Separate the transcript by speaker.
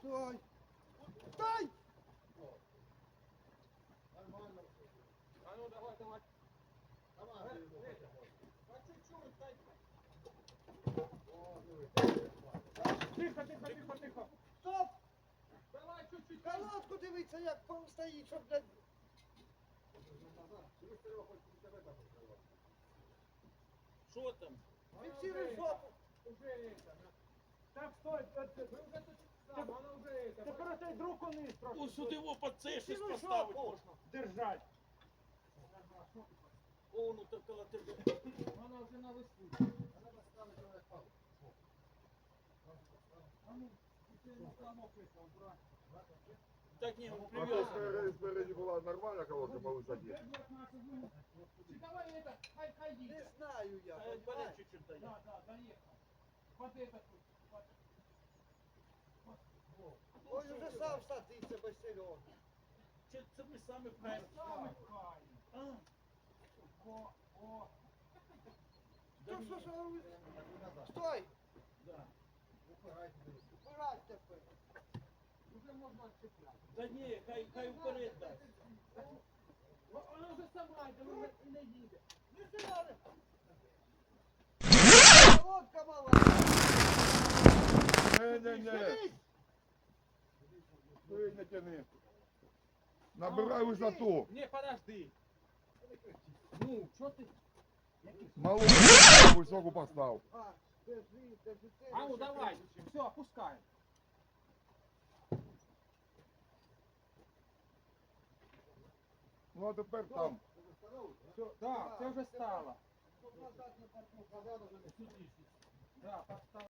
Speaker 1: Стой! Стой!
Speaker 2: Нормально. А ну давай, давай. Давай, по чуть-чуть, дай. Тихо, тихо, тихо, тихо.
Speaker 1: Стоп!
Speaker 2: Давай чуть-чуть.
Speaker 1: Колодку дивіться, як пом стоїть, щоб блядь.
Speaker 3: Що там?
Speaker 1: Фіксируй жопу.
Speaker 2: Уже это. Так, стой. Вы уже тут сам, она уже это.
Speaker 1: Тепер цей друг униз
Speaker 3: Ось
Speaker 1: трошки.
Speaker 3: сюди його під це щось
Speaker 1: Фіксируй
Speaker 3: поставити
Speaker 1: жопу.
Speaker 3: можна.
Speaker 1: Держать.
Speaker 3: О, ну так коло тебе.
Speaker 2: Она уже на высоту. Она поставит на палку. А ну, теперь на замок это убрать.
Speaker 3: Так ні, він
Speaker 4: А
Speaker 3: прив'язаний.
Speaker 4: спереди была нормальная колодка по высоте?
Speaker 2: Давай это, хай
Speaker 1: Не
Speaker 2: едет.
Speaker 1: знаю я,
Speaker 3: А
Speaker 1: понимаешь?
Speaker 3: бере чуть-чуть дає.
Speaker 2: Да, доехал. Под этот вот.
Speaker 1: Ой, уже сам садиться без Сереги.
Speaker 3: Чи це ми самі правильно?
Speaker 2: Самый хай.
Speaker 3: А,
Speaker 2: О.
Speaker 3: да ні.
Speaker 1: Що? Стой!
Speaker 3: Да.
Speaker 1: Убирать тепер.
Speaker 2: Уже можно отцеплять.
Speaker 3: Да ні, хай вперед дасть.
Speaker 2: Она уже сама это и не едет.
Speaker 1: Не сюди! Колодка мала!
Speaker 4: Не-не-не, ты не тяни. Набирай высоту.
Speaker 2: Не, подожди. Ну, что ты?
Speaker 4: Малую высоку постав.
Speaker 1: А, держи, держи.
Speaker 2: А ну давай, все, опускай.
Speaker 4: Ну а тепер там.
Speaker 2: Все, да, все уже стало.
Speaker 1: Назад на парку.
Speaker 2: Да, подставь.